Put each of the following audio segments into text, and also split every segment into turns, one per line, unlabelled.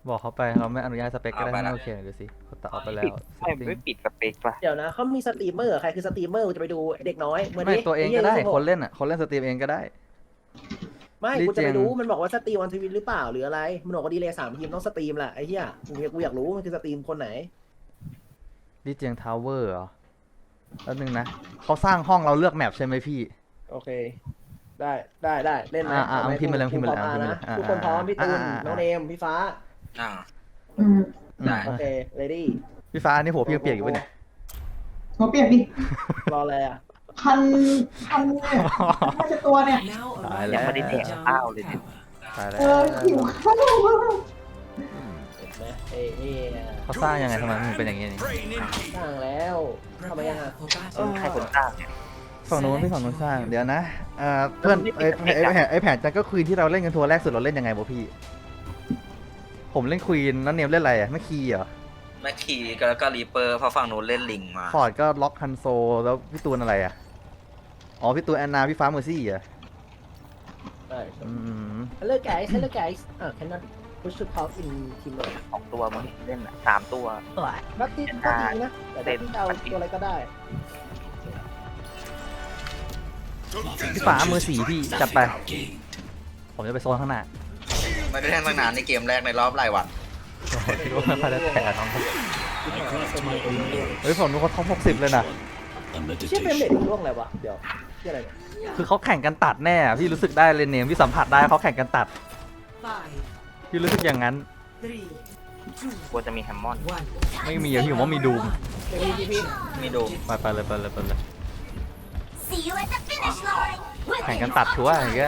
บอกเขาไปเราไม่อนุญาตสเปคก็ได้ไม่โอเคดูสิเขาตัดออกไปแล้ว
ไม่ปิดสเปคป่ะ
เดี๋ยวนะเขามีสตรีมเมอร์ใครคือสตรีมเมอร์กูจะไปดูเด็กน้อยเหมือน
ไม่ตัวเองก็ได้
ไหี้ย
คนเล่นอ่ะคนเล่นสตรีมเองก็ได้
ไม่
ดี
กูจะไป
เจง
ดูมันบอกว่าสตรีมวันทวิตหรือเปล่าหรืออะไรมันบอกว่าดีเลย3 ทีมต้องสตรีมแหละไอ้เหี้ยกูอยากรู้มันคือสตรีมคนไหน
ดิเจียงทาวเวอร์เหรอแล้วนึงนะเขาสร้างห้องเราเลือกแมปใช่ไหมพี่
โอเค ได้เล่นไหม
เอาพิมพ์มาเลยพิมพ์มาเลย
พร้อ
พิมพ์มาเลย
นะทุกคนพร้อมพี่ตูนน้องเนมพี่ฟ้า
อ่า
อืม
ได้
โอเคเรดี้
พี่ฟ้านี่หัวพี่ยังเปียกอยู่ปะเนี่ย
หัวเปียกดิ
รออะไรอ่ะ
พันเนี่ยน่าจะตัวเนี่ย
ตาย
ยั
แล้
ง
ว
ไม่ได้แดกข้าวเลยเนี่ย
ตายแล้ว
หิวข้าวมาก
เห็นไหมเอ้ยนี่
เขาสร้างยังไงทำไมมันเป็นอย่างนี้นี่
สร้างแล้วทำไมยังอ่ะ
ใครคนสร้างเนี่ย
ฝั่งนู้นพี่ฝั่งนู้นสร้างเดี๋ยวนะเพื่อนไอแผนจันก็ควีนที่เราเล่นกันทัวร์แรกสุดเราเล่นยังไงบ่พี่ ผมเล่นควีนแล้วเนมเล่นอะไรอ่ะไม่คีย์เหรอ
แม็กคีแล้วก็รีเปอร์เพราะฝั่งนู้นเล่นลิงมา
ฟอร์ดก็ล็อกฮันโซแล้วพี่ตูนอะไรอ่ะอ๋อพี่ตูนแอนนาพี่ฟ้าเมอร์ซี่อ่ะ
ใช่
อืม
Hello guys cannot push to talk in team
สองตัวมึงเล่นอ่ะ3 ตัว
นัดที่ก็ดีนะแต่ถ้าที่เอาตัวอะไรก็ได้
พี่ฟ้ามือสีพี่จัดไป ผมจะไปโซนข้างหน้า
ไม่ได้เล่นตั้งนานในเกมแรกในรอบหลายวัน
คิดว่าไม่ได้แผลน้องเฮ้ยผมดูเขาท็อป60เลยนะ
เชื่อเป็นเด็กร่วงอะไรวะเดี๋ยวเชื่ออะไรเนี่ย
คือเขาแข่งกันตัดแน่อะพี่รู้สึกได้เลยเนมพี่สัมผัสได้เขาแข่งกันตัด พี่รู้สึกอย่างนั้น
กลัวจะมีแฮมมอน
ไม่มีอะพี่ผมว่ามีดูม
เด็กพี่
มีดู
ไปเลย
See you at the finish line.
แข่งกันตัดชัวร์อย่างเงี้ย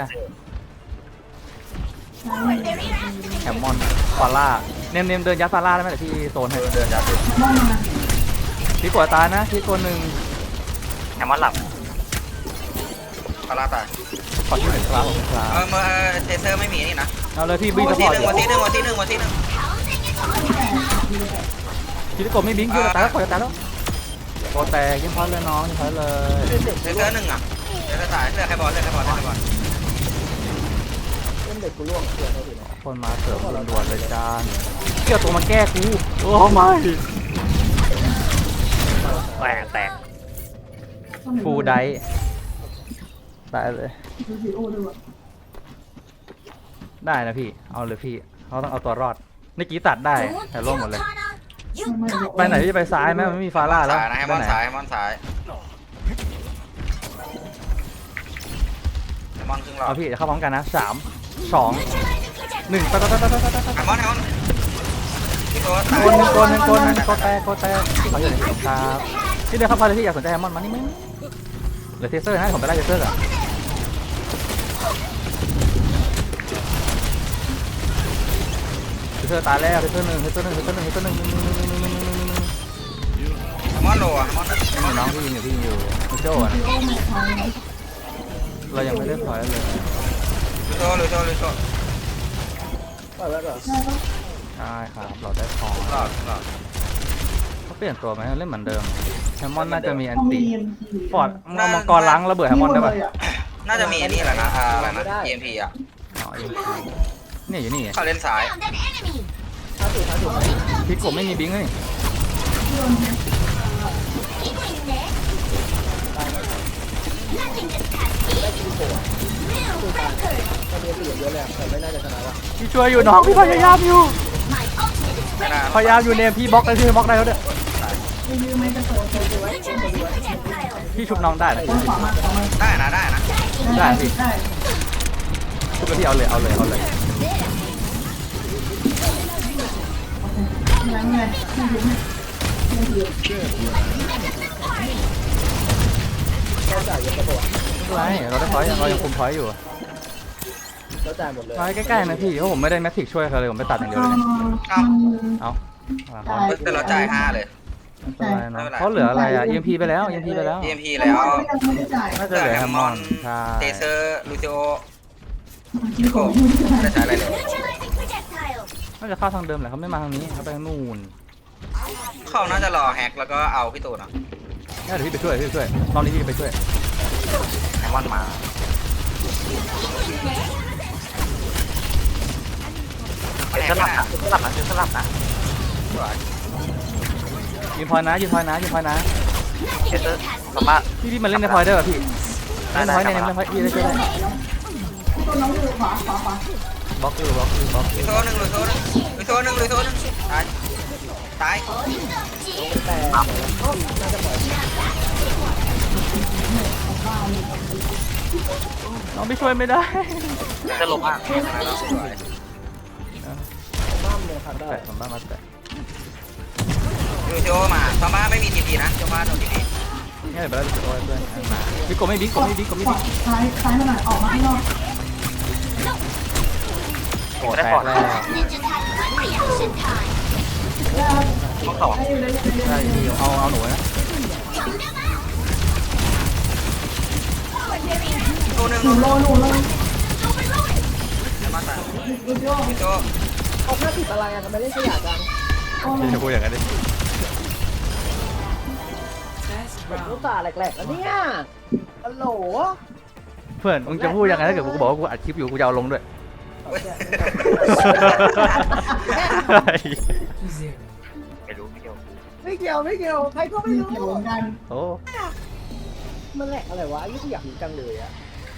Forward barrier
แฮ
activated.
มมอนฟาร่าเนมเดินยัดฟาร่าได้ไหมเดี๋ยวพี่โซนให้
เดินยัดเลย
มองมา
พี่กดตายนะพี่ตัวหนึ่ง
แฮมมอนหลับพาราตาย
ขอที่หนึ่งครับผมครับ
เทเซอร์ไม่มีนี่นะ
เอาเลยพี่บี
วั
ส
น
ป
ที่
อร์ต
1วันที่1วันที่1วันที่1
Housing it on.
พี่ที่กดไม่บิงค์พี่จะตายแล้วกดจะตายแล้วโกแตกยังพอเลยน้องยังพอเลย
เทเซอร์1อ่ะเทเซอร์ตายเลือกใครบอลเลือกใครบอลเลือกใครบอล
เล่นเด็กกูร่วงเชื่อเขาดิเนาะ
คนมาเสิร์ฟด่วนๆเลยจานเกี่ยวตัวมาแก้กูโอ้ไม่แตกฟูไดตายเลย
ดูสิโอ้ดูอ่ะ
ได้นะพี่เอาเลยพี่เขาต้องเอาตัวรอดเมื่อกี้ตัดได้
Don't
แต่ร่วงหมด
kill
เลย
Tana. You got
ไปไหนพี่จะไปซ้ายไหมมันไม่มีฟาร่าแล้ว
สายนะแฮมมอน
ไปไหน
สายแฮมมอนสายแฮมมอนครึ่งหลอ
เอา
ด
พี่เดี๋ยวเข้าพร้อมกันนะ3 2
neutralizing projectile.
1ไป
แฮมมอนพี่ตัวตาย
โกแตกเขาอยู่ในครับพี่เดินเข้าไปเลยพี่อยากสนใจแฮมมอนมานี่มั้ยเหลือเทเซอร์ให้ผมไปไล่เทเซอร์ก่อนเทเซอร์ตายแล้วเทเซอร์1
แฮมมอนโลอ่ะแฮมมอน
น้องพี่ยิงอยู่โจ้อะ
โอ้ไม่ทัน
เรายังไม่ได้พอยเลย
ลุยโซ่
ปล่อยไว้ก่อน
ได้ปะ
ใช่ครับเราได้พอ
หลอด
เขาเปลี่ยนตัวไหมเล่นเหมือนเดิมแฮมมอนน่าจะมีอัน
ต้อง
ติ
มี
ฟอร์ดเอามังกรล้างระเบิดแฮมมอนได้ปะ
น่าจะมีนี่แหละนะอะไรนะ EMP อ่ะ
อ๋อเนี่ยอยู่นี่
เขาเล่นสาย
Found an enemy.
พี่กบไม่มีบิงค์เลย
Equally next. Nothing gets past me. New record.
ก็มีเสียงเยอะเลยแต่ไม่น่าจะชนะว่ะ
พี่ช่วยอยู่น้องพี่พยายามอยู่
My ultimate is
ไม่
ready.
น่า
พยายามอยู่เนี่ยพี่บล็อกได้พี่บล็อกได้แล้วเนี่ย
รีวิวไม่กระโดด
Neutralizing projectile.
พี่ชุบน้องได้นะ
ขวามา
ได้นะ
ได้พี่
ได้
ชุบแล้วพี่เอาเลย
ยังไงไม่ถึง
เราจ่ายเยอะกระโดด
ไม่เป็นไรเราได้พอยเรายังคุมพอยอยู่
เราจ่ายหมดเลย
มาใกล้ๆนะพี่เพราะผมไม่ได้แมทริกช่วยเขาเลยผมไปตัดอย่างเดียวเลยเนี่ยเอาเขา
แต่เราจ่าย5เลย
ไม่เป็นไรเนาะเขาเหลืออะไรอ่ะ EMP ไปแล้ว
EMP แล้ว
ไม่ได้จ่าย
น่าจะเหลือแฮมมอนใช่
เทเซอร์ลูซิโอ
คิดของไม่ได้
ไม่ได้ใช้อะไรเลย
Neutralizing projectile.
น่าจะเข้าทางเดิมแหละเขาไม่มาทางนี้เขาไปทางนู่น
เขาน่าจะรอแฮกแล้วก็เอาพี่ตูนอ่ะ
เดี๋ยวพี่ไปช่วยรอบนี้พี่ไปช่วย
แฮมมอนมาแฮสลับนะสลับนะสลับนะ
ยืนพอยนะยืนพอยนะยืนพอยนะ
เจสสามารถ
พี่มาเล่นในพอยได้ป่ะพี่เล่นพอยเนี่ยเล่นพอยพี่ได้ช่วยได้
ตัวน้องอยู่ขวาขวาขวา
บล็อกอยู่บล็อกอยู่บล็อกอยู่
โซ่หนึ่งเลยโซ่หนึ่งเลยโซ่หนึ่งเลยโซ่หนึ่งตายตาย
แต่น่าจะปล่อย
น้องไม่ช่วยไม่ได้
จะลงมาก
บ้ามเลยครับได้
แตะผมบ้ามาแตะ
ดูโจมาซาม่าไม่มีทีพีนะโจมาโดนทีพี
ง่ายไปแล้วจะโดนเพื่อนมาพี่กบไม่บิ๊กกบไม่บิ๊กกบไม่
ขวา
บิ๊ก
ซ้ายมาหน่อยออกมาข้างนอก
โอ้แตกแล้ว
ต้องสอง
ได้อยู่ได้อยู่ได้อยู่
ได้เอาหนูนะ
โซ่หนึ่ง
หนูโล
มาตาย
ดูโย
โจ
เอาหน้าติดอะไรอ่ะทำไมเล่นขยะจัง
พี่จะพูดอย่างนั้นดิ
ผมรู้ตาแหลกๆแล้วเนี่ยฮัลโหล
เพื่อนมึงจะพูดยังไงถ้าเกิดกูบอกว่ากูอัดคลิปอยู่กูจะเอาลงด้วย
ไม่รู้ไม่เกี่ยว
ไม่เกี่ยวไม่เกี่ยวใครก็ไม่
มี
รู้
เกี่ยวกัน
โอ้
มันแหลกอะไรวะยี่กูอยากรู้จังเลยอะ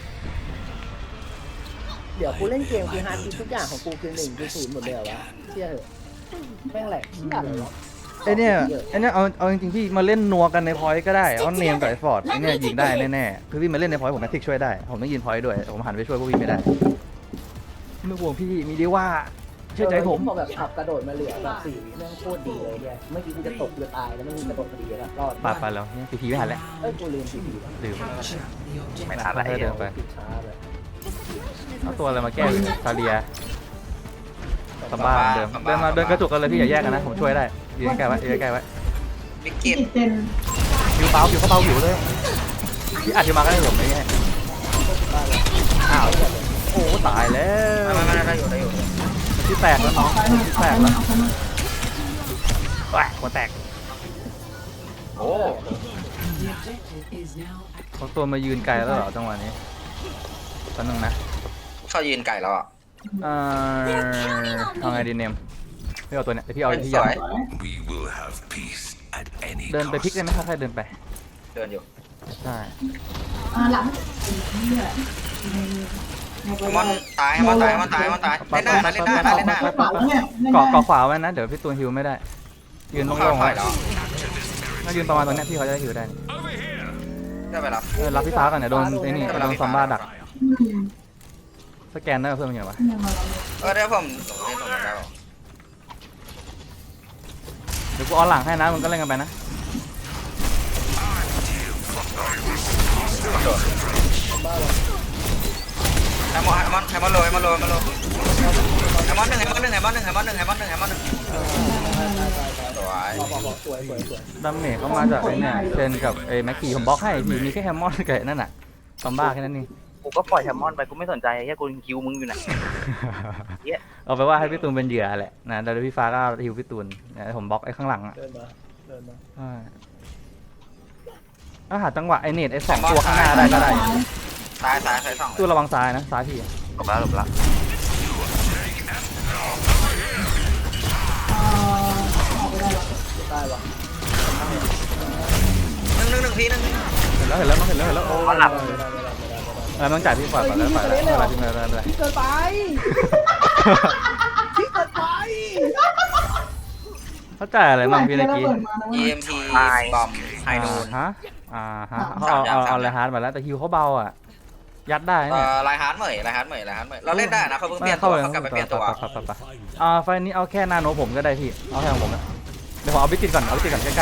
เดี๋ยวกูเล่นเกมคือฮาร์ดดิสทุกอย่างของกูคือ1คือ0หมดเลยเหรอวะเชื่อเหอะแม่งแหลกเชื่ออะไรวะ
ไอเนี่ยเอาจริงๆพี่มาเล่นนัวกันในพอยต์ก็ได้เอาเนมกับไอฟอร์ดไอเนี่ยยิงได้แน่ๆคือพี่มาเล่นในพอยต์ผมแมทริกช่วยได้ผมต้องยืนพอยต์ด้วยผมหันไปช่วยพวกพี่ไม่ได้ไม่ห่วงพี่มีดีว่าเชื่อใจผม
พอแบบขับกระโดดมาเหลือแบบ4 วิแม่งโคตรดีเลยเนี่ยเมื่อกี้กูจะตกกูจะตายแล้วไม่มีกระโดดพอดีแล้วรอด
ปาดไปแล้วเนี่ยพีไม่หันแล้ว
เอ้ยกูลืมทีแล้ว
ลืม
ไม่ทันอะไร
เดินไป
ปิดช้าเลย
เอาตัวอะไรมาแก้ซาเลียสบ้าเดิมเดินกระจุกกันเลยพี่อย่าแยกกันนะผมช่วยได้ยืนใกล้ไว้ยืนใกล้ไว้
บิ๊ก
ติ
เก็ต
ดเจน
ผิวเบาผิวเขาเบาผิวเลยพี่อัดผิวมาก็ได้ผมไม่แย่อ้าวโอ้ตายแล้ว
มาได้อยู่ได้อยู่
ที่แตกแล้วน้อง
ซ้ายมา
ที่
ซ้า
แต
ย
ก
มา
แล้ว
ซ้ายมา
แหวหัวแตก
โอ้
เขาตัวมายืนไกลแล้วเหรอจังหวะนี้แป๊บนึงนะ
เขายืนไก่แล้วอ่ะ
เอาไงดีเนมพี่เอาตัวเนี้ยพี่เอาที่
ส
ยั
วย
We will have peace at any
เดินไปพลิก
cost.
ได้ไหมค่อยๆเดินไป
เดินอยู่
ใช่
หลังนี่แหละ
มอนตายมอนตายมอนตายมอนตายเล่นได้เล่นได้เล่นได้
กระเป๋าเนี่ย
เกาะขวาไว้นะเดี๋ยวพี่ตูนฮิวไม่ได้ ยืนโล่งๆ
เข้า
ไว้
แล้ว
ถ้ายืนประมาณตรงเนี้ยพี่เขาจะได้ฮิวได้
ได้ไปแล้ว
รับพี่ฟ้าก่อนเนี่ยโดนไอ้นี่โดนซอมบ้าดัก
อืม
สแกนได้เพิ่มยังไงวะ
ยังมาเรา
ได้ผมเล่นตรงนั้นได้
เดี๋ยวกูออนหลังให้นะมึงก็เล่นกันไปนะ
ไฮมอนโรยมาโรยมาโรยไฮมอนหนึ่งไฮมอนหนึ่งไฮมอนหนึ่งไฮมอนหนึ่งไฮมอนหนึ่งไฮมอนหนึ่งสวย
บอกสวยสวยสวย
ดัมเมจเขามาจากไอ้เนี่ยเชนกับไอ้แม็กกี้ผมบล็อกให้พี่มีแค่แฮมมอนกับไอ้นั่นน่ะซอมบ้าแค่นั้นเอง
กูก็ปล่อยแฮมมอนไปกูไม่สนใจแค่กูคิวมึงอยู่ไหน
เอาไปว่าให้พี่ตูนเป็นเหยื่อแหละนะแล้วพี่ฟ้าก็ฮิวพี่ตูนนะผมบล็อกไอ้ข้างหลังอ่ะ
เดินมาเดินมา
ใช่ถ้าหาจังหวะไอ้เนตไอ้สองตัวข้างหน้าได้ก็ได้
ตายตายใส่สอง
ตูนระวังซ้ายนะซ้ายพี่
หลบแล้วหลบแล้ว
ออกไปได้หรอ
ได้วะ
หนึ่งทีหนึ่ง
เห็นแล้วโอ้
มันหลับ
อะไรต้องจ่ายพี่ก่อนก่อนแล้วอะไรพี่ไม่ได้
พี่เกินไปพี่เกินไป
เขาจ่ายอะไรบ้างพี่เมื่อกี้
EMP บอมไฮนูน
ฮะเอาอะไรฮาร์ดมาแล้วแต่ฮิวเขาเบาอ่ะยัดได้เนี่ย
ลายฮาร์ดเหมยลายฮาร์ดเหมยลายฮาร์ดเหมยเราเล่นได้นะเขาเพิ่งเปลี่ยนตัวเขากลับไปเปลี่ยนตัว
ไฟนี้เอาแค่นาโนผมก็ได้พี่เอาแค่ของผมนะเดี๋ยวผมเอาบิติดก่อนเอาบิติดก่อนใกล้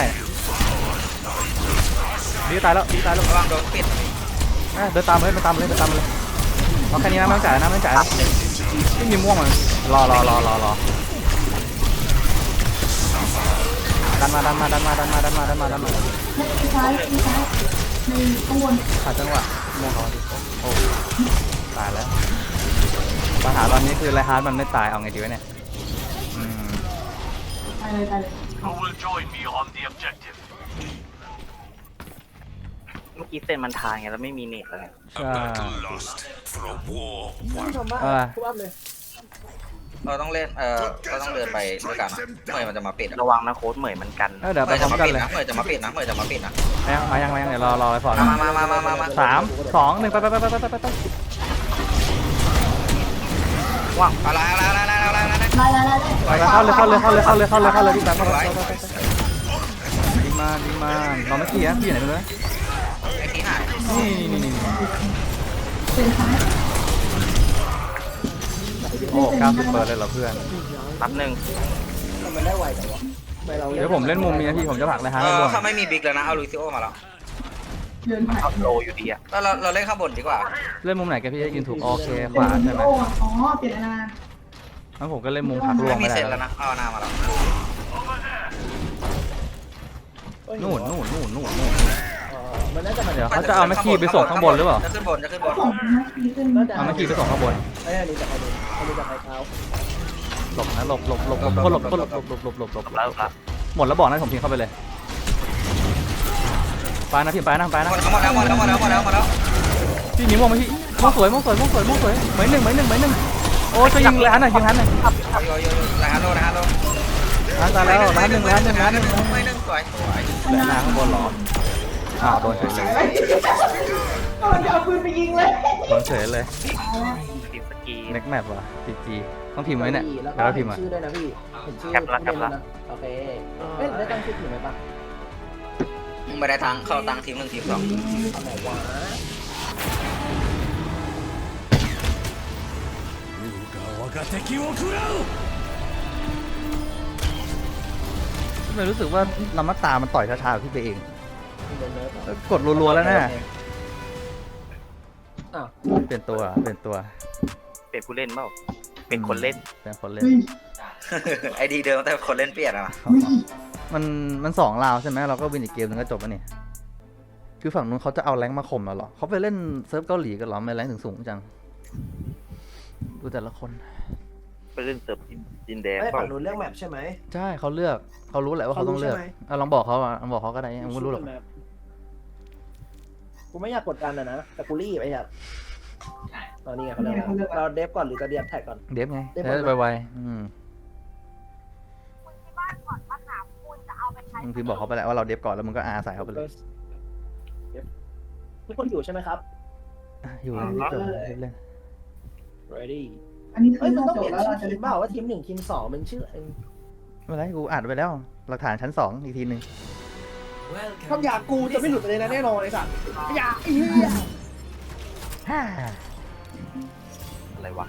ๆดีตายแล้ว
ระวังโดนปิด
เดินตามเลยเอาแค่นี้นะไม่ต้องจ่ายนะไม่มีม่วงมันรอดันมา
ซ้ายในข้างบน
ขาดจังหวะม่วงเขาดิโอ้ตายแล้วปัญหาตอนนี้คือไรฮาร์ดมันไม่ตายเอาไงดีวะเนี่ย
ตายเลย
Who will join me on the objective?
เมื่อกี้เซนมันทางไงแล้วไม่มีเน็ตแล้วไง
A battle lost for a war
ทำบ้า
อ่า
ทุบอัพเลย
เราต้องเล่นเราต้องเดินไปด้วยกันเมื่อมันจะมาปิด
ระวังนะโค้ดเหมยมันกัน
เดี๋ยวไปพร้อมกันเลย
เมื่อจะมาปิดนะเมื่อจะมาปิดนะ
มายังเดี๋ยวรอไอ้ฟอร์ด
มา
3 2 1ไป
ว่างอะไร
ไล่
ไปเข้าเลยพี่ตามเข้าเลยดีมาเราไม่ขี่นะพี่ไหนไปเลย
ไอ้ที่หาย
นี่
เป็นซ้าย
โอ้90เปิดเลยเหรอเพื่อน
นับหนึ่ง
มันได้ไวแต่ว่าไม่เรา
เดี๋ยวผมเล่นมุมนี้นะพี่ผมจะผลักเลยฮะ
ถ้าไม่มีบิ๊กแล้วนะเอาลูซิโอมาแล้ว
เดินผ่าน
เอาโลอยู่ดีอะ
แล้วเราเล่นข้างบนดีกว่า
เล่นมุมไหนแกพี่จะยืนถูกโอเคขวาใช่ไหม
อ๋อเปลี่ยนนา
งั้นผมก็เล่นมุมผลักรว
ไม่
ม
มี
ไม่ได้
เซนแล้วนะเอาหน้ามาแล้ว
นู่น
มันน่าจะมา
เดี๋ยวเขาจะเอาแม็กกี้ไปส่งข้างบนหรือเปล่า
จะขึ้นบน
ของนะปีขึ้น
เอาแม็กกี้ไปส่งข้างบน
ไอ้อันนี้จากใครดูเขาดูจากใครเท้า
หลบนะหลบคนหลบ
แล้วครับ
หมดแล้วบอกนะผมทิ้งเข้าไปเลยไปนะพี่ไปนะ
หมดแล้ว
พี่มีม่วงไหมพี่ม่วงสวยเหมยหนึ่งโอ้จะยิงเลยฮันหน่อยยิงฮันหน่อย
โยหลังฮัลโหล
ฮันตายแล้วร้านหนึ่ง
ไม่หนึ่งสวย
แหลหน้าข้างบนหรออ้าวโดนเฉยเลย
กำลังจะเอาปืนไปยิงเลย
โดนเฉยเลย
ทีมสกี
เน็กแมปว่ะพีจีต้องพิมพ์ไว้เนี่ย
แล้ว
เดี๋ยวเราพิมพ์
ชื่อด้วยนะพี่เห็นชื่อโอเคเอ้ยได้ตั้งชื่อถูกไหมปะ
มึงไม่ได้ทางเข้าตังทีม1ทีม2
ไหนวะ
ไม่รู้สึกว่าลำมัตตามันต่อยช้าๆพี่ไปเอง
โดนเนิร์ฟ
กดรัวๆแล้วนะ
อ้าว
เปลี่ยนตัว
เป็นผู้เล่นเปล่าเป็นคนเล่น
เป็นคนเล่น
เฮ้ย
ไอดีเดิมแต่คนเล่นเปลี่ยนอะ
มัน2 ราวใช่ไหมเราก็วินอีกเกมนึงก็จบแล้วนี่คือฝั่งนู้นเขาจะเอาแรงค์มาข่มเราเหรอเขาไปเล่นเซิร์ฟเกาหลีกันเหรอไม่แรงค์ถึงสูงจังดูแต่ละคน
ไปเล่นเสิร์ฟดินแดง
ไอ้
เปล่า
ฝั่งนู้นเรื่องแมปใช่ไหม
ใช่เขาเลือกเขารู้แหละว่าเขาต้องเลือก
เขารู้ใช่ไหม
ลองบอกเขาอ่ะลองบอกเขาก็ได้ยังไม่รู้หรอก
กูไม่อยากกดดันนะแต่กูรีบไอ้ครับตอนนี้ไงเขาเลือกเราเดฟก่อนหรือจะเดียบแท็กก่อน
เดฟไง
เดฟ
ได้ไวมึงพิมพ์บอกเขาไปแล้วว่าเราเดฟก่อนแล้วมึงก็อาใส่เขาไปเลย
ทุกคนอยู่ใช่ไหมครับ
อยู่เล่น
ready
อันนี้คื
เฮ้ย
อ
มัน
เรา
ต้อง
จ
เป
บ
ลี่ยน
แล้ว
ชื่
เรา
อ
จะ
ที
ได้
มเปล่าว่าทีม1ทีม2มันชื่อ
ไม่เป็นไรกูอัดไปแล้วหลักฐานชั้น2อีกทีหนึ่ง
คำหยากูจะไม่หลุดเลยนะแน่นอนไอ้สัตว์หยาอี
อะไรวะ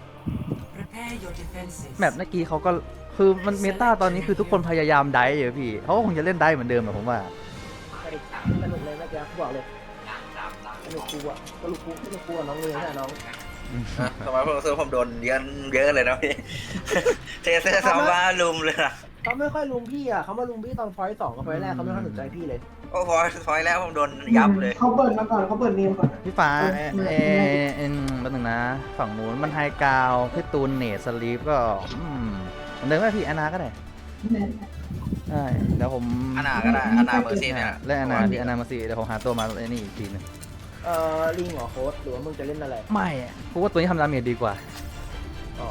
แมปเมื่อกี้เขาก็คือมันเมตาตอนนี้คือทุกคนพยายามไดฟ์อยู่พี่เขาก็คงจะเล่นได้เหมือนเดิมอะผมว่า
สนุกเลยแม่แกบอกเลยสนุกกูอะสนุกกูน้องเลยใช่น้อง
ทำไมผมโดนเยอะเลยนะพี่เทเซอร์ซาบ้าลุมเลยนะ
เขาไม่ค่อยลุมพี่อ่ะเขามาลุมพี่ตอนพอยต์2กับพอยต์แรกเขาไม่ค่อยสนใจพี่เลย
โอ้พอยแล้วผมโดนยับเลย
เขาเปิดมาก่อนเขาเปิดเนมก่อน
พี่ฟ้าแป๊บนึงนะฝั่งนู้นมันไฮกราวพี่ตูนเนทสลีปก็เหมือนเดิมก็พี่แอนนาก็ได้ใช่เดี๋ยวผม
อานาก็ได้อานาเมอร์ซี่เนี่ย
เล่นแอนนาพี่แอนนามาสิเดี๋ยวผมหาตัวมาไอ้นี่อีกทีนึง
ลิงเหรอโค้ดหรือว่ามึงจะเล่นอะไร
ไม่กูว่าตัวนี้ทำดาเมจดีกว่า
อ๋อ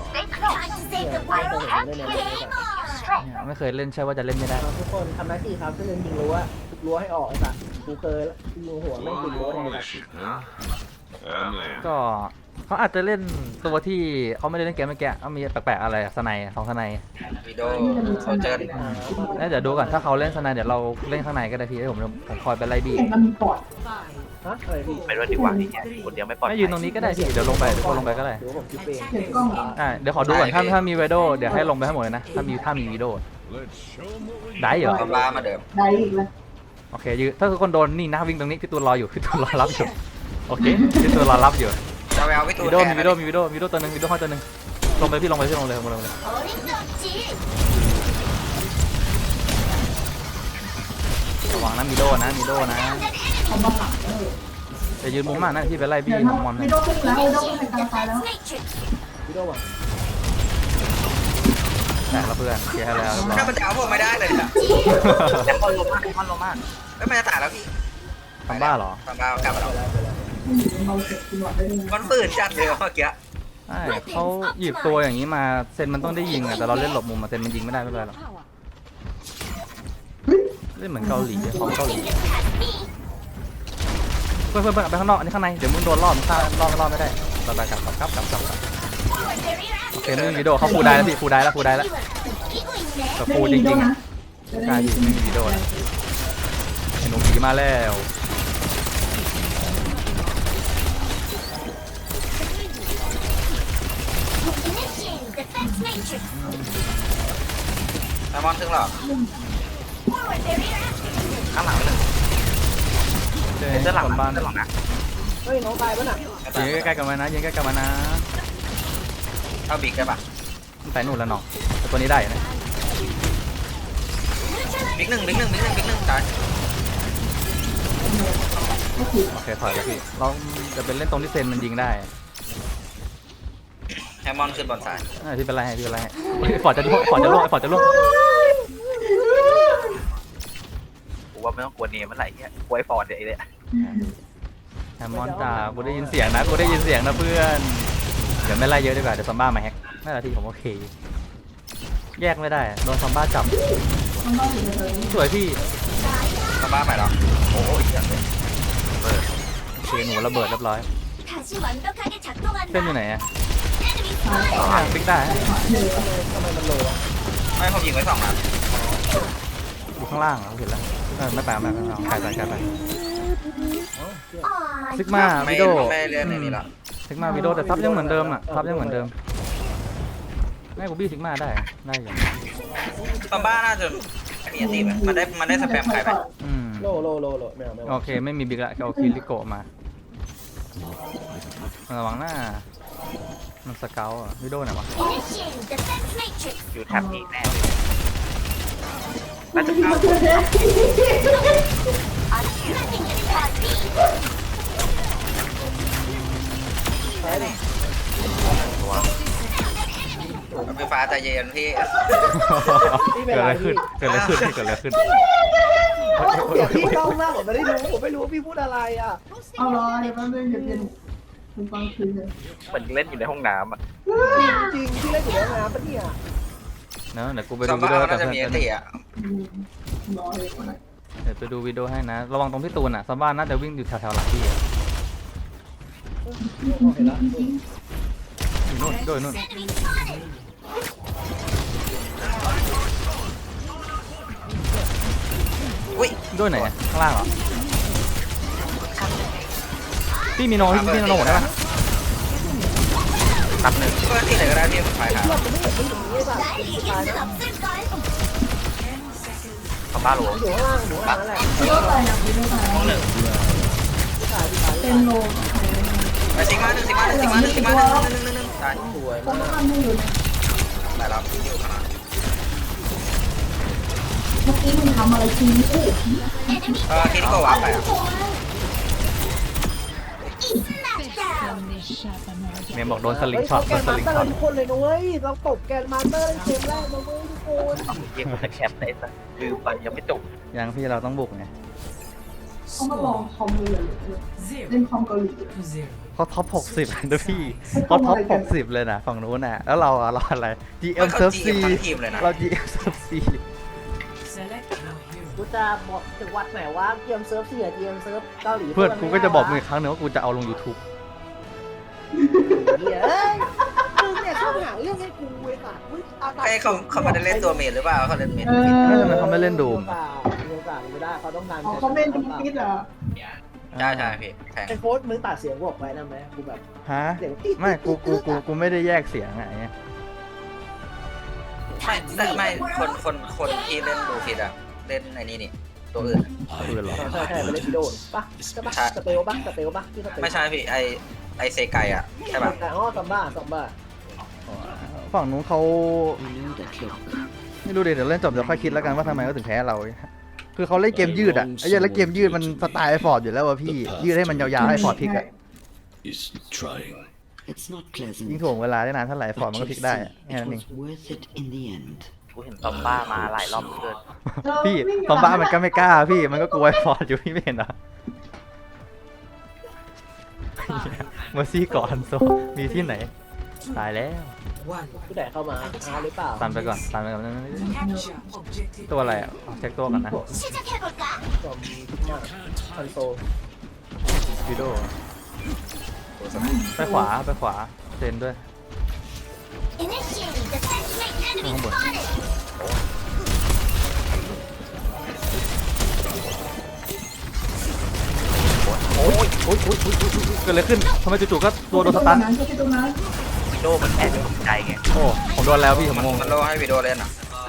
ไม่เคยเล่นใช่ว่าจะเล่นไม่ได้
ทุกคนทำหน้าที่ครับก็เลยยิงรั้วให้ออกไอ้สัตว์กูเคยยิงหัวไม่ยิงรั้วเลย
ก็เขาอาจจะเล่นตัวที่เขาไม่ได้เล่นเกมเมื่อกี้เขามีแปลกๆอะไรสไน2สไน
วิดีโอโซเจอร์
เดี๋ยวดูก่อนถ้าเขาเล่นสไนเดี๋ยวเราเล่นข้างในก็ได้พี่ผมคอยไปไล่บี้
เห็นมันมีปอด
ฮะอะไรพี่
ไปด้วยดีกว่านี่ไงคนเดียวไม่ปลอดภั
ไม่ยืนตรงนี้ก็ได้พี่เดี๋ยวลงไปทุกคนลงไปก็ได้
หรือว่าผมคิดเอง
เห็นกล้องเหรอ
เดี๋ยวขอดูก่อนถ้ามีวิดีโอเดี๋ยวให้ลงไปให้หมดเลยนะถ้ามีวิดีโอได้เหรอ
ซาบ้ามาเดิม
ได้อีกแล้ว
โอเคยืนถ้าคือคนโดนนี่นะวิ่งตรงนี้พี่ตูนรออยู่พี่ตูนรอรับอยู่โอเคพี่ตูนรอรับอยู่
จะไปเอาพี่ตู
วิ
น
ดีโอ
แท
มี
น
วิดีโอมีวิดีโอตัวนึงวิดีโอห้อยตัวนึงลงไปพี่ลงเลยลงเลยระวังนะมีโดนะ
เขามาหลัง
จะยืนมุมมากนะพี่ไปไล่บี้
เดี๋ยว
มอน
ไม่ต้องขึ้นแล้วไม่ต้องขึ้นไปกลางไฟแล้ว
วิดีโอว่ะ
แต่ละเพื่อนเคลียร์ให้แล้ว
ถ้ามันจะเอาผมไม่ได้เลยนะ
แต่มันลงมากมันลงมาก
ไม่มันจะตายแล้วพี่
ทำบ้าเหรอ
ซาบ้ากลับมาแล้ว
เราเสร็จกินหวัดได้เลย
มันฝืนจัดเลยเมื่อกี้
ใช่เขาหยิบตัวอย่างนี้มาเซนมันต้องได้ยิงอะแต่เราเล่นหลบมุมมาเซนมันยิงไม่ได้ไม่เป็นไรหรอกเล่นเหมือนเกาหลีของเกาหลีเพื่อนไปข้างนอกอันนี้ข้างในเดี๋ยวมึงโดนรอบฆ่ารอบไม่ได้เราไปกลับโอเคไม่มีวิดีโอเขาฟูได้แล้วพี่ฟูได้แล้วแต่ฟูจริงๆอะกล้ายิงไม่มีวิดีโอนะไอ้หนุ่มผีมาแล้ว
ไดมอนถึงหรอข้างหลังเลย
เจ๊
เสื้อหลัง
คนบ้าน
เสื้อหลังนะ
เฮ้ยน้องตายปะน่ะ
ยิงใกล้ๆกันมานะยิงใกล้ๆกันมานะ
เอาบิ๊กได้ปะ
มันไปนู่นแล้วน้องแต่ตัวนี้ได้นะ
บิ๊กหนึ่งตาย
โอเคถอยแล้วพี่เราจะเป็นเล่นตรงที่เซนมันยิงได้
ไดมอนขึ้นบนสาย
พี่เป็นไรให้ฟอร์ดจะล่วงฟอร์ดจะล่วง
กูว่าไม่ต้องกลัวเนมเมื่อไหร่เนี่ยกลัวไอ้ฟอร์ดเดี๋ยวไอ้เนี่ย
แฮมมอนจ่ากูได้ยินเสียงนะเพื่อนเดี๋ยวไม่ไล่เยอะดีกว่าเดี๋ยวซอมบ้ามาแฮกน่าจะที่ผมโอเคแยกไม่ได้โดนซอมบ้าจับสวยพี่
สบ้าใหม่หรอโอ้ย
โอเคหนูระเบิดเรียบร้อยเส้นอยู่ไหนอะบิ๊กได้
ไม่ผมยิงไว้2 นัด
อยู่ข้างล่างเห็นแล้วไม่ไปไกลไปซิกมาวิโด
ไม่เล่นในนี้หรอ
ซิกมาวิโดแต่ซับยังเหมือนเดิมอ่ะซับยังเหมือนเดิมแม่กูบี้ซิกมาได้อยู่
สบ้าน่าจะมีอันตีไหมมันได้สแปมใครไหม
โลไม่เอา
โอเคไม่มีบิ๊กละเอาคิริโกะมาระวังหน้ามันสเกลอ่ะวิโดไหนวะ
อยู่แท็บนี้แน่เลยน่าจะเข้า
ไฟฟ้าใจเย็นพี่
เกิดอะไรขึ้น
เสียงพี่เศร้ามากผมไม่รู้ว่าพี่พูดอะไรอ่ะ
เอารอเดี๋ยวแป๊บนึงเดี๋ยวเย็นคุณฟังคืนเลย
เหมือนเล่นอยู่ในห้องน้ำอ่ะ
จริงพี่เล่นอยู่ในน้ำปะเนี่ย
เนอะเดี๋ยวกูไป
ส
ดูวิ
บ้า
ดีโอกั
น่า
บ
จะ
เพื่
มีอั
อน น
ตีอ่ะ
รอเลยก่อนนะ
เดี๋ยวไปดูวิดีโอให้นะระวังตรงพี่ตูนอ่ะซอมบ้าน่าจะวิ่งอยู่แถวๆหลังพี่
เห็นแล้ว
อยู่นู่นด้วยนู่น
อุ้ย
ด้วยไหนอะข้างล่างเหรอพี่มีโนหมดได้ปะ
นับหนึ่ง
ก็ที่ไหนก็ได้ที่มันไฟครับ
คอมบ้าโล
อยู่ข้างล่างนั่นแหละ
วิโดตายนะวิโดตาย
ห้อง
เป็นโล
ไปซิกมาหนึ่งตาย
สวย
ผม
มาก
ทำให้อยู่นะ
แต่เราอยู่ขนาด
เมื่อกี้มึงทำอะไรจริงนี่
คิดก็ว้าไปอ่ะ
เมมบอกโดนสลิงช็อต
แกนมาสเตอร์ทุกคนเลยนะเว้ยเราตกแกนมาสเตอร์เกมแรกนะเว้ยทุกคน
เกมมันแคปได้สักลืมไปยังไม่จบ
ยังพี่เราต้องบุกไง
เขามาลองคอมเลยเล่นคอมเกาหลี
เขาท็อป60นะพี่เขาท็อป60เลยนะฝั่งนู้นน่ะแล้วเราอะไร GM
เขา
Surf
จี
C
บทั้งทีมเลยนะ
เรา GM Surf C
กูจะบอกถึงวัดไหนว่าเกมเซิร์ฟ4กับเกมเซิร์ฟเกาหลี
เพื่อนกูก็จะบอกมึงอีกครั้งหนึ่งว่ากูจะเอาลง YouTube
เฮ้ยมึงเนี่ยชอบหาเรื่องให้กูเว้ยค่ะมึงเอาตา
ไอ้เขาไม่ได้เล่นตัวเมดหรือเปล่าเขาเล่นเมด
ไม่ทำไมเขาไม่เล่นดูม
มีโอกาสไม่ได้เขาต้องการ
เขาเล่นทุกทิศเหรอ
ใช่พี่แทง
ไอ้โค้ดมึงตัดเสียงบอกไว้นะไหมกูแบบ
ฮะ
เสียงติ๊ด
ไม่กูไม่ได้แยกเสียงไง
ไม่คนที่เล่นดูผิดอ่ะเล่นไอ้นี่ตัวอื่น
ปืนหรอ
ใช่ไปเล่นวิดีโอปะใช่ปะสเตลปะที่สเตล
ไม่ใช่พี่ไอเซไกอ่ะใช่ป่ะ
อ๋อซัมบ้า
ฝั่งนู้นเขาไม่รู้เดี๋ยวเล่นจบเดี๋ยวค่อยคิดแล้วกันว่าทำไมเขาถึงแพ้เรา คือเขาเล่นเกมยืดอ่ะไอ้เหี้ยแล้วเกมยืดมันสไตล์ไอฟอร์ดอยู่แล้วว่ะพี่ยืดให้มันยาวๆให้ฟอร์ดพลิกอ่ะ
Is trying.
It's not pleasant.
ยิ่งถ่วงเวลาได้นานเท่าไหร่ฟอร์ดมันก็พลิกได้อะแค่นั้นเอง
It was worth it in the end.
กูเห็นซอมบ้ามาหลายรอบเกิน
พี่ตอมบ้ามันก็ไม่กล้าพี่มันก็กลัวไอฟอร์ดอยู่พี่ไม่เห็นเหรอเมอร์ซี่ก่อนโซมีที่ไหนตายแล้ว
ผู้ใดเข้ามาหรือเปล่า
ตันไปก่อนตันไปก่อนตัวอะไรอ่ะเช็คตัวก่อนนะ
จอมมาคอนโซล
วิดีโอไปขวาไปขวาเซนด้วย ข้างบนโอ้ยโอ้ยโอ้ยโอ้ยเกิดอะไรขึ้นทำไมจู่ๆก็ตัวโดนสตัน
ตรงนั้น
วิโดมันแอบตกใจไง
โอ้ผมโดนแล้วพี่ผมงง
มันโลให้วิดีโอเล่นอ่ะ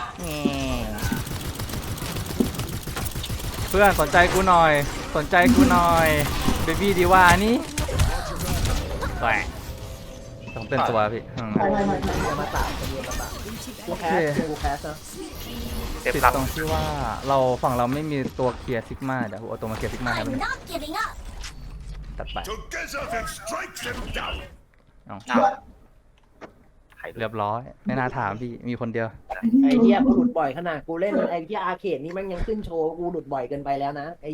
เพื่อนสนใจกูหน่อยสนใจกูหน่อยเบบี้ดีว่านี่แหวผมเป็นตัวพี่
ไป
มาตาคนเดียวมาตากูแคสกูแคสนะ
เซฟ
ติด
ครับ
ตรงที่ว่าเราฝั่งเราไม่มีตัวเคลียร์ซิกมาเดี๋ยวเอาตัวมาเคลียร์ซิกมาให้มันตัดไป
Together then strike them down.
เอา
อ้าวใคร
เรียบร้อยไม่น่าถามพี่มีคนเดียว
ไอ้เหี้ยกูหลุดบ่อยขนาดกูเล่นไอ้ที่อาร์เคดนี่มันยังขึ้นโชว์กูหลุดบ่อยเกินไปแล้วนะไอ้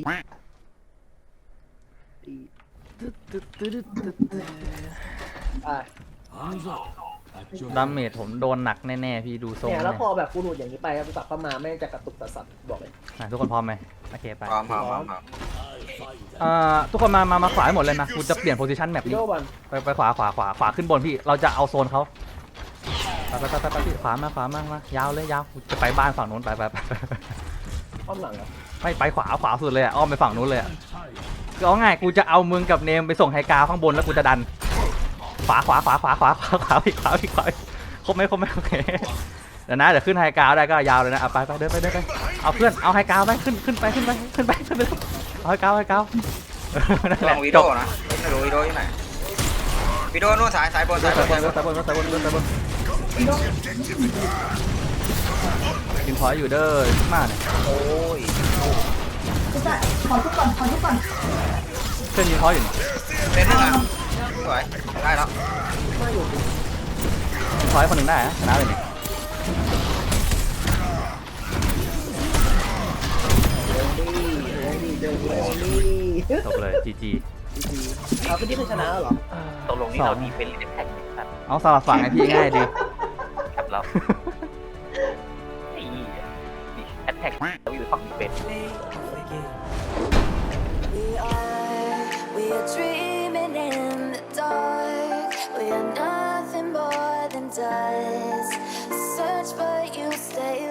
อ่ะ
ดาเมจผมโดนหนักแน่ๆพี่ดูทรง
เนี่ย
เนี่
แล้ว
ย
พอแบบกูหลุดอย่างนี้ไปแล้วกูกลับเข้ามาแม่งจะกระตุกตะสัตว์บอกเลย
ทุกคนพร้อมไหมโอเคไป
พร้อมพร้อมพร้อม
ทุกคนมาขวาให้หมดเลยนะกูจะเปลี่ยนโพซิชันแมป
วิดี
นี้
โอบอล
ไปขวาขึ้นบนพี่เราจะเอาโซนเขาไปพี่ขวามายาวเลยยาวกูจะไปบ้านฝั่งนู้นไป
อ้อมหลังเหรอ
ไม่ไปขวาสุดเลยอ่ะอ้อมไปฝั่งนู้นเลยอ่ะก็เอาง่ายกูจะเอามึงกับเนมไปส่งไฮกราวข้างบนแล้วกูจะดันขวาอีกครบไหมโอเคเดี๋ยวนะเดี๋ยวขึ้นไฮกราวได้ก็ยาวเลยนะไปเดินไปเอาเพื่อนเอาไฮกราวไปขึ้นไปเอาไฮกราวนั่นแห
ล
ละ
องวิ
จ
ดี
บ
โอนะไม่รู้วิดีโออยู่ไหนวิดีโอนู่นสายบน
สายบนกินพอยอยู่เด้อมากเนี่ย
โอ้ย
จะขอทุกก่อน
เพื่อนยิงพอยอยู่
เล่นหนึ่งอ่ะสวยได้แล้ว
ยิงพอยคนหนึ่งได้ชนะเลยเนี่ย
เดินนี่
จบเลย GG
เอาไปที่เป็นชนะแล้วเหรอ
ตกลงนี่เราดีเป็นหรือแท็กครับ
เอาสลับฝั่งให้พี่ง่ายดี
ครับเราไอ้นี่แอตแทกเราอยู่ฝั่งดีเป็น
We are dreaming in the dark. We are nothing more than dust. Search, but you stay